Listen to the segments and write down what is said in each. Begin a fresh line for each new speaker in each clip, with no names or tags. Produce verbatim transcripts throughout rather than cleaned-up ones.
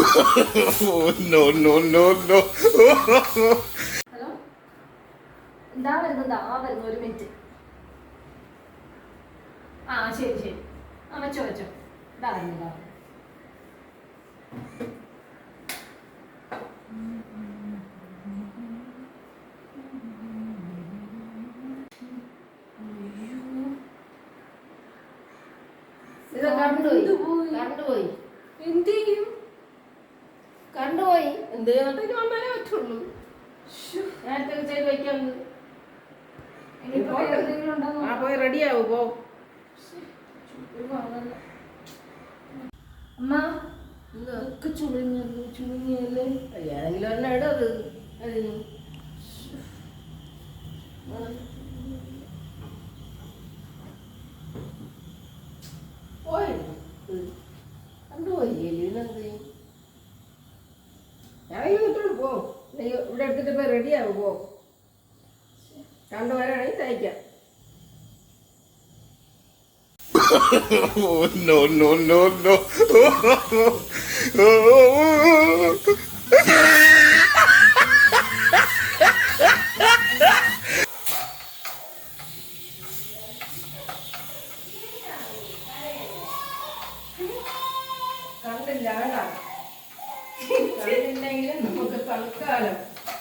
No, no, no, no.
Hello, എന്താ വരുന്നത്? ആ വരുന്നു, ഒരു മിനിറ്റ്. ആ ശരി ശരി, ആ വെച്ചോ വെച്ചോ. ഇതാ വരുന്നതാ. ഇത് കണ്ടുപോയി കണ്ടുപോയി
എന്ത് ചെയ്യും?
കണ്ടുപോയി
എന്ത് ചെയ്യാനായിട്ട് വന്നാലേ പറ്റുള്ളൂ.
നേരത്തെ ചെയ്ത് വെക്കാറുണ്ട്.
ആ പോയി റെഡിയാവും പോ.
അമ്മ ഇതൊക്കെ ചുളുങ്ങല്ലോ, ചുളുങ്ങിയല്ലേ.
ഏതെങ്കിലും ഒരെണ്ണം ഇടും അത് അതിന്. പോയി കണ്ടുപോയി ഇതിനെന്ത് ചെയ്യും? ഞാനെങ്കിലും ഇട്ടോളൂ പോ. നീ ഇവിടെ എടുത്തിട്ട് പോയി റെഡിയാവും പോ. കണ്ടുവരാണെങ്കിൽ തയ്ക്കാം.
No, no, no, no.
കണ്ടില്ല കേട്ടാ, കണ്ടില്ലെങ്കിലും നമുക്ക് തൽക്കാലം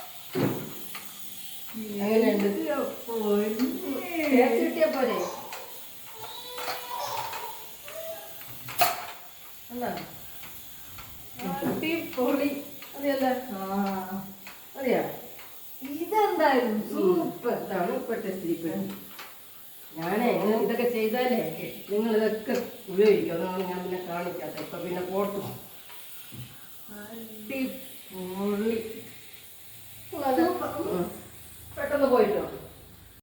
അങ്ങനെയുണ്ട്. തേച്ച് കിട്ടിയ പോലെ എന്നാ പൊളി അതെയല്ല.
ആ
അറിയാ
ഇതെന്തായാലും സൂപ്പർ.
ഇതാണ് ഇപ്പോഴത്തെ സ്ത്രീപ്പ്. ഞാനേ ഇതൊക്കെ ചെയ്താലേ നിങ്ങൾ ഇതൊക്കെ ഉപയോഗിക്കും. അതാണ് ഞാൻ പിന്നെ കാണിക്കാത്ത. ഇപ്പൊ പിന്നെ പോട്ടു അടിപൊളി. പെട്ടെന്ന് പോയിട്ടോ.